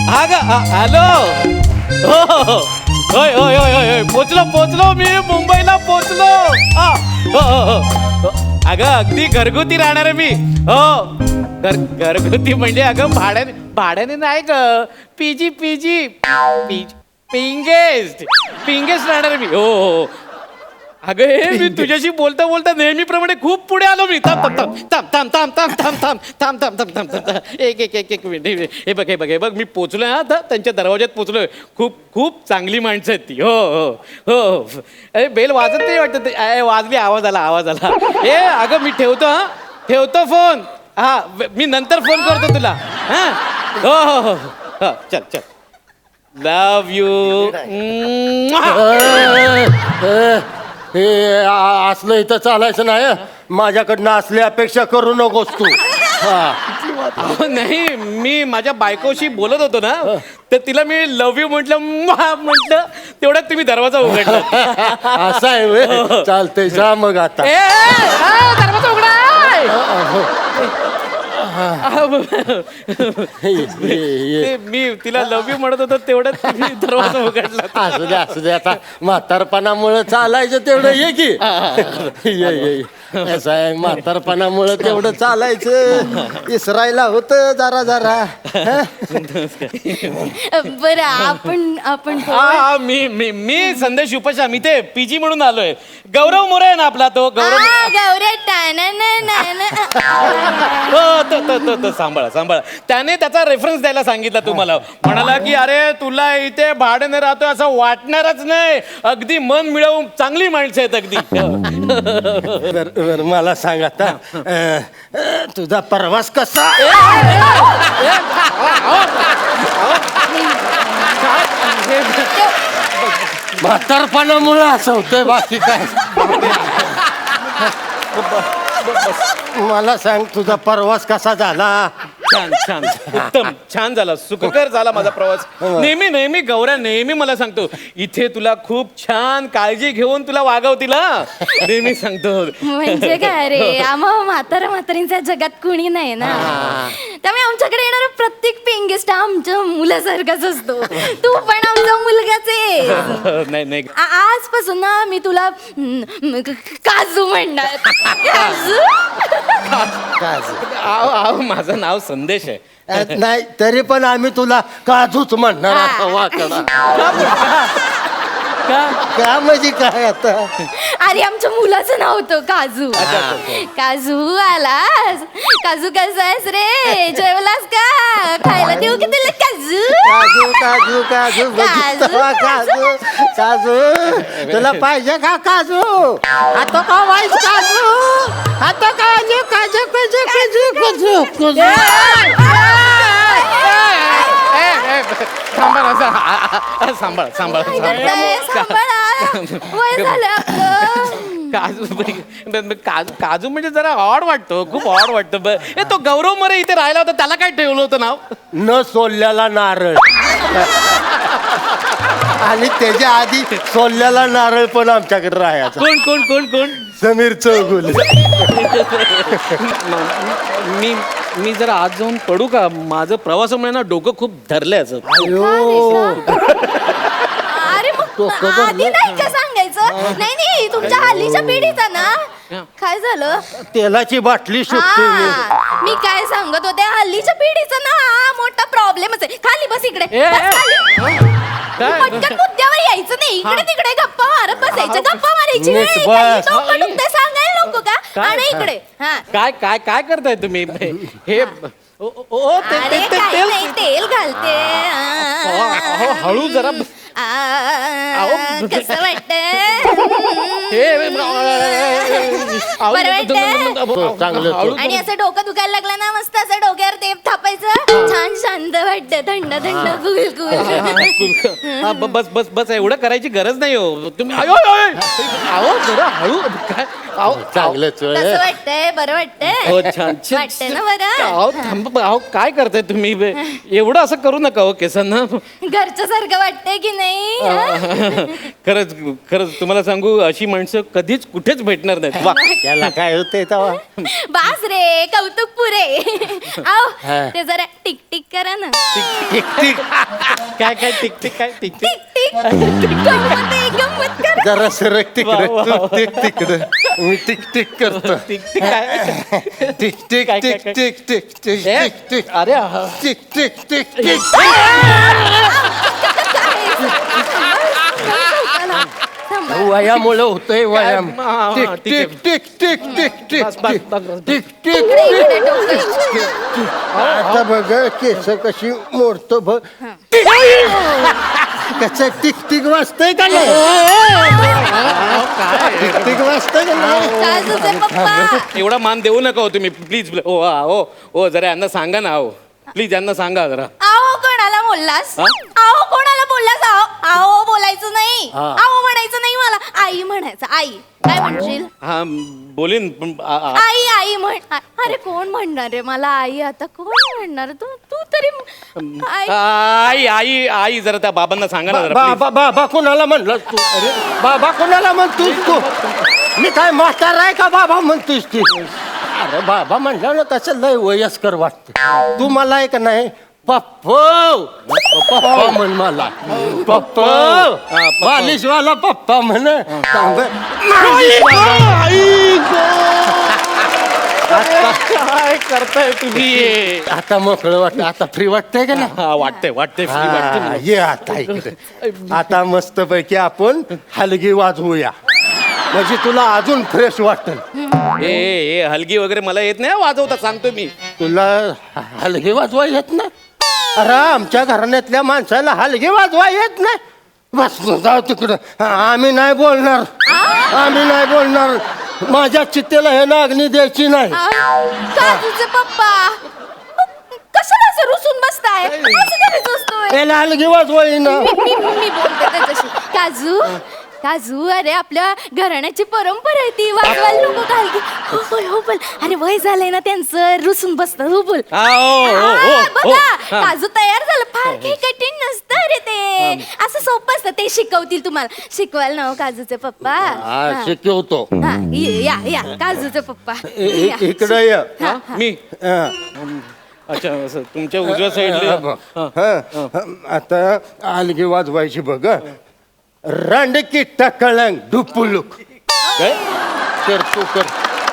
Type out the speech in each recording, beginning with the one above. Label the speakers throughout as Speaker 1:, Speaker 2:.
Speaker 1: Hello. हो होय होय होय होय पोचलो मी मुंबईला पोचलो. अगं अगदी घरगुती राहणार आहे मी. हो घरगुती म्हणजे अगं भाड्याने नाही ग. पीजी पिंगेस्ट राहणार मी. हो अगं हे मी तुझ्याशी बोलता बोलता नेहमीप्रमाणे खूप पुढे आलो मी. थांब एक मिनिट. हे बघ मी पोचलोय. आता त्यांच्या दरवाज्यात पोचलोय. खूप चांगली माणसं आहेत ती. हो अरे बेल वाजत नाही वाटत. वाजली. आवाज आला. अगं मी ठेवतो फोन. मी नंतर फोन करतो तुला. हो चल लव यू.
Speaker 2: हे असलं इथं चालायचं नाही. माझ्याकडनं असली अपेक्षा करू नकोस तू.
Speaker 1: नाही मी माझ्या बायकोशी बोलत होतो ना, तर तिला मी लव्ह यू म्हटलं तेवढ्यात तुम्ही दरवाजा उघडला.
Speaker 2: असं आहे व्हय? चालतंय जा मग आता.
Speaker 1: दरवाजा उघडा. मी तिला लव्ह यू म्हणत होतो तेवढ्यात तुम्ही दरवाजा उघडला.
Speaker 2: असू दे आता म्हातारपणामुळे चालायचं तेवढं ये की. ये असं आहे म्हातारपणामुळे तेवढं चालायचं. इसरायला होतं जरा.
Speaker 3: बरं आपण
Speaker 1: मी संदेश उपाशा. मी ते पीजी म्हणून आलोय. गौरव मोरे आहे ना आपला तो गौरव. तो सांभाळा. त्याने त्याचा रेफरन्स द्यायला सांगितला तुम्हाला. म्हणाला की अरे तुला इथे भाड्याने राहतोय असं वाटणारच नाही. अगदी मन मिळवून चांगली माणसं आहेत अगदी.
Speaker 2: बरं मला सांग आता तुझा प्रवास कसा. म्हातारपणामुळे असं होतंय बाकी काय. मला सांग तुझा प्रवास कसा झाला.
Speaker 1: छान उत्तम छान झाला. सुखकर झाला माझा प्रवास. नेहमी गौऱ्या नेहमी मला सांगतो इथे तुला खूप छान काळजी घेऊन तुला वागवतील. नेहमी सांगतो.
Speaker 3: म्हणजे काय रे, आम्हा म्हातारींच्या जगात कुणी नाही ना. त्यामुळे आमच्याकडे येणारा प्रत्येक पेंगेस्ट आमच्या मुलासारखाच असतो. तू पण आमचा मुलगाच आहे.
Speaker 1: नाही
Speaker 3: आजपासून ना मी तुला काजू म्हणणार.
Speaker 1: काजू. माझं नाव संदेश आहे.
Speaker 2: नाही तरी पण आम्ही तुला काजूच म्हणणार. आता वाकडा का म्हणजे काय आता.
Speaker 3: अरे आमच्या मुलाचं नाव होतं काजू. काजू आलास. काजू कसा आहेस रे, जेवलास का, खायला देऊ की तुला काजू.
Speaker 2: काजू तुला पाहिजे का काजू. आता का वाईट काजू. आता काजू काजू काजू काजू काजू काजू.
Speaker 1: सांभाळ.
Speaker 3: वय झालं आपलं.
Speaker 1: काजू म्हणजे जरा ऑड वाटतो. खूप ऑड वाटतं. तो गौरव मोरे इथे राहिला होता त्याला काय ठेवलं होतं नाव.
Speaker 2: न सोललेला नारळ. आणि त्याच्या आधी सोललेला नारळ पण आमच्याकडे राहायचा.
Speaker 1: कोण
Speaker 2: समीर चौगुले.
Speaker 1: मी जरा आज जाऊन पडू का. माझं प्रवासामुळे ना डोकं खूप धरलंय असं.
Speaker 3: अरे मग आधी नाही का सांगायचं. नाही तुमच्या हल्लीच्या पिढीचा ना काय झालं.
Speaker 2: तेलाची बाटली शोधते
Speaker 3: मी काय सांगत होते. हल्लीच्या पिढीचा ना हा मोठा प्रॉब्लेमच आहे. खाली बस इकडे. पटकन मुद्द्यावर यायचं नाही. इकडे तिकडे गप्पा मारत बसायचं. गप्पा मारायची सांगायला नको का. आणि इकडे
Speaker 1: काय करताय तुम्ही हे.
Speaker 3: तेल घालते.
Speaker 1: हळू जरा.
Speaker 3: कसं वाटतंय. आणि असं डोकं दुखायला लागलं ना मस्त असं डोक्यावर तेप थापायचं. छान शांत वाटतं. थंड
Speaker 1: बस एवढं करायची गरज नाही हो तुम्ही. जरा हळू काय.
Speaker 2: चांगलंच
Speaker 3: कसं वाटतंय. बरं वाटतंय.
Speaker 1: हो छान
Speaker 3: वाटतंय ना बरं.
Speaker 1: काय करताय तुम्ही. एवढं असं करू नका हो केसांना.
Speaker 3: घरच्या सारखं वाटतंय की नाही.
Speaker 1: खरंच तुम्हाला सांगू अशी माणसं कधीच कुठेच भेटणार नाहीत. वा
Speaker 2: त्याला काय होतंय तेव्हा.
Speaker 3: बास रे कौतुक पुरे. आओ ते जरा टिक टिक करा ना.
Speaker 1: टिक काय काय टिक टिक काय टिक टिक
Speaker 3: टिक टिक गंमत आहे, गंमत कर.
Speaker 2: जरा सरक तिकडे
Speaker 1: वा, वा,
Speaker 2: तू
Speaker 1: वा.
Speaker 2: टिक तिकडे मी टिक टिक करतो
Speaker 1: टिक टिक काय
Speaker 2: टिक टिक
Speaker 1: काय,
Speaker 2: टिक
Speaker 1: काय?
Speaker 2: टिक टिक टिक
Speaker 1: ए,
Speaker 2: टिक टिक
Speaker 1: अरे हा.
Speaker 2: टिक टिक टिक टिक वयामुळे होतंय वयाम
Speaker 1: हा, हा,
Speaker 2: टिक
Speaker 1: ठीक आहे.
Speaker 2: टिक टिक टिक टिक
Speaker 1: बस,
Speaker 2: टिक
Speaker 1: बस,
Speaker 2: टिक
Speaker 1: बस, बस.
Speaker 2: टिक टिक
Speaker 3: इकडे, इकडे डोकं.
Speaker 2: आता बघ केस कशी मोडतो बघ त्याच टिक टिक वाजतंय का नाही टिक टिक वाजतंय का नाही
Speaker 3: काजूचे पप्पा.
Speaker 1: एवढा मान देऊ नका हो तुम्ही प्लीज हो हो हो जरा यांना सांगा ना हो प्लीज यांना सांगा जरा
Speaker 3: आओ कोणाला बोललास?
Speaker 1: हा?
Speaker 3: आओ कोणाला बोललास? आओ आओ बोलायचं नाही.
Speaker 1: हा.
Speaker 3: आओ म्हणायचं नाही मला. आई म्हणायचं. आई काय म्हणशील?
Speaker 1: हा बोलीन पण
Speaker 3: आई आई म्हण. अरे कोण म्हणणार रे मला आई? आता कोण म्हणणार? तू तू तरी आई.
Speaker 1: आई आई आई जरा त्या बाबांना सांगा ना जरा please.
Speaker 2: बाबा बाबा कोणाला म्हणलं तू अरे बाबा कोणाला म्हणतोस तू मी काय म्हातारा आहे का बाबा म्हणतोस ती अरे बाबा म्हणलं ना कसं लय वयस्कर वाटत तू मला आहे का नाही पप्पो पप्पा म्हण मला पप्पो
Speaker 1: पप्पा.
Speaker 2: मालिशवाला पप्पा म्हण
Speaker 1: काय करताय तुम्ही
Speaker 2: आता मोकळं वाटत आता फ्री वाटतंय का ना
Speaker 1: हा वाटतंय वाटतंय free वाटतंय मला.
Speaker 2: ये आता इकडे आता मस्त पैकी आपण हलगी वाजवूया म्हणजे तुला अजून फ्रेश वाटत
Speaker 1: ए हलगी वगैरे मला येत नाही वाजवता सांगतो मी
Speaker 2: तुला हलगी वाजवा येत नाही अरे आमच्या घराण्यातल्या माणसाला हलगी वाजवा येत नाही बस जाऊ तिकडं आम्ही नाही बोलणार आम्ही नाही बोलणार माझ्या चित्तेला हे नागणी द्यायची नाही
Speaker 3: काजूचे पप्पा. कशाला असं रुसून बसताय? असं करायचं असतोय.
Speaker 2: याला हलगी वाजवा येईना
Speaker 3: मी बोलते त्याच्याशी. काजू काजू अरे आपल्या घराण्याची परंपरा आहे ती वाजवायला नको कालगी. हो बोल हो बोल. अरे वय झालंय ना त्यांचं रुसून बसतं. हो बोल.
Speaker 1: हा, हो, हो,
Speaker 3: हा,
Speaker 1: हो,
Speaker 3: बघा
Speaker 1: हा.
Speaker 3: काजू तयार झालं. फार काही कठीण नसतं रे ते. असं सोपं असतं. ते शिकवतील तुम्हाला. शिकवाल ना हो काजूचे पप्पा. हा.
Speaker 2: शिकवतो
Speaker 3: हा, या या काजूचे पप्पा या.
Speaker 2: इकडे ये
Speaker 1: हा? मी
Speaker 2: हं.
Speaker 1: अच्छा असं तुमच्या उजव्या साईडला
Speaker 2: हं. आता हलगी वाजवायची बघ रांडकी टकळंग ढुपुलुक
Speaker 1: काय
Speaker 2: कर तू कर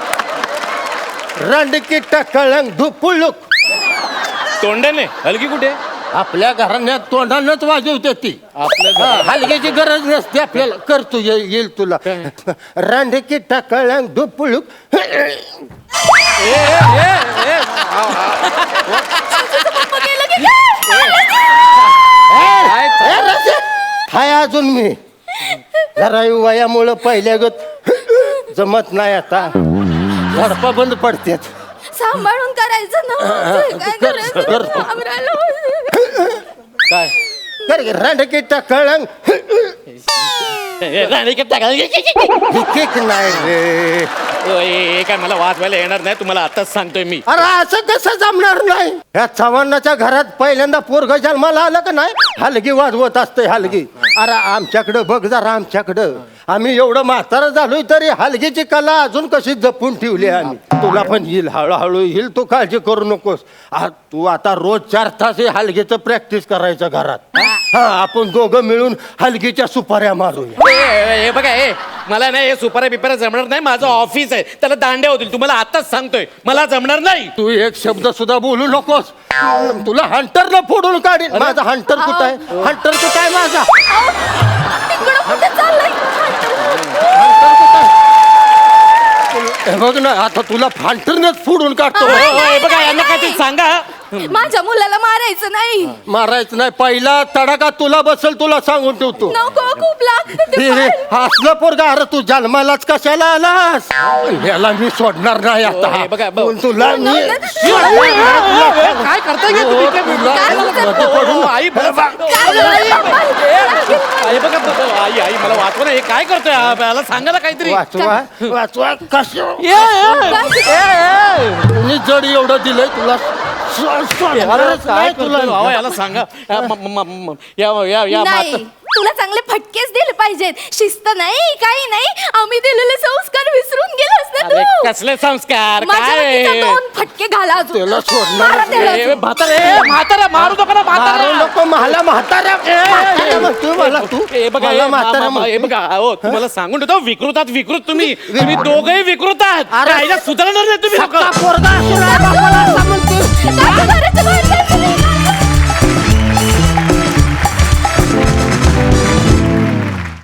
Speaker 2: रांडकी टकळंग ढुपुलुक
Speaker 1: तोंडाने हलगी कुठे
Speaker 2: आपल्या घराण्यात तोंडानच वाजवते ती
Speaker 1: आपल्या
Speaker 2: हलग्याची गरज नसते आपल्याला करतो येईल तुला रांडकी टकळंग ढुपुलुक
Speaker 3: पप्पा गेलं की काय?
Speaker 2: हाय अजून मी जरा वयामुळं पहिल्या गत जमत नाही आता झडपा बंद पडतात
Speaker 3: सांभाळून करायचं ना. काय करायचं?
Speaker 2: करतो.
Speaker 3: घाबरायला.
Speaker 1: काय
Speaker 2: कर रांडकी टकळंग नाही रे
Speaker 1: काय मला वाजवायला येणार नाही तुम्हाला आताच सांगतोय मी
Speaker 2: अरे असं कसं जमणार नाही या चव्हाणाच्या घरात पहिल्यांदा पोरग जन्माला आलं का नाही हलगी वाजवत असते हलगी अरे आमच्याकडं बघ जरा आमच्याकडं आम्ही एवढं म्हातारं झालोय तरी हलगीची कला अजून कशी जपून ठेवली आहे आम्ही तुला पण येईल हळूहळू येईल तू काळजी करू नकोस तू आता रोज 4 तास हे हलगीचं प्रॅक्टिस करायचं घरात हा आपण दोघं मिळून हलगीच्या सुपाऱ्या मारूया
Speaker 1: हे बघा हे मला नाही हे सुपाऱ्या बिपाऱ्या जमणार नाही माझं ऑफिस आहे त्याला दांड्या होतील तुम्हाला आताच सांगतोय मला जमणार नाही
Speaker 2: तू एक शब्द सुद्धा बोलू नकोस तुला हंटरला फोडून काढीन माझा हंटर कुठं आहे हंटर कुठं आहे माझा
Speaker 3: तिकडं कुठे चाललंय?
Speaker 2: हे बघ ना आता तुला फांटरनेच फोडून काढतो
Speaker 1: हे बघा यांना काहीतरी सांगा
Speaker 3: माझ्या मुलाला मारायचं नाही.
Speaker 2: मारायचं नाही पहिला तडाखा तुला बसल तुला सांगून ठेवतो
Speaker 3: नको खूप लागतं ते
Speaker 2: हे
Speaker 3: फार.
Speaker 2: असलं पोरगा अरे तू जन्मालाच कशाला आलास याला मी सोडणार नाही आता
Speaker 1: हे बघा, बघ.
Speaker 2: तुला मी
Speaker 1: काय करताय हे तुम्ही? आई आई बघा आई आई मला वाचवा ना हे काय करतोय मला सांगा ना काहीतरी
Speaker 2: वाचवा वाचवा कसं कुणी जड एवढं दिलंय तुला सोडणारच
Speaker 1: काय
Speaker 2: नाही तुला
Speaker 1: करतोय? अहो, याला सांगा या या या
Speaker 3: नाही तुला चांगले फटकेच दिले पाहिजेत. शिस्त नाही काही नाही, आम्ही दिलेले संस्कार विसरून गेलोस ना
Speaker 1: अरे
Speaker 3: तू.
Speaker 1: कसले संस्कार
Speaker 3: माझ्या
Speaker 1: काय
Speaker 3: वतीचे 2 फटके घाला अजून.
Speaker 2: त्याला सोडणार
Speaker 3: मारा त्याला
Speaker 1: ए,
Speaker 3: अजून.
Speaker 1: म्हातारा मारू नका ना
Speaker 2: मारू
Speaker 1: म्हातारा.
Speaker 2: नको मला म्हाताऱ्या म्हाताऱ्या म्हणतोय मला तू
Speaker 1: हे बघा
Speaker 2: मला
Speaker 1: हे
Speaker 2: म्हाताऱ्या
Speaker 1: मा- मा- हे
Speaker 2: म्हणतोय.
Speaker 1: बघा हो तुम्हाला सांगून ठेवतो विकृतात विकृत तुम्ही दोघंही विकृत आहात.
Speaker 2: अरे.
Speaker 1: राहिला सुधारणार नाही तुम्ही लोकं.
Speaker 2: सख्खा पोरगा असून आहे बापाला असं म्हणतोय.
Speaker 3: काय करायचं बाहेर?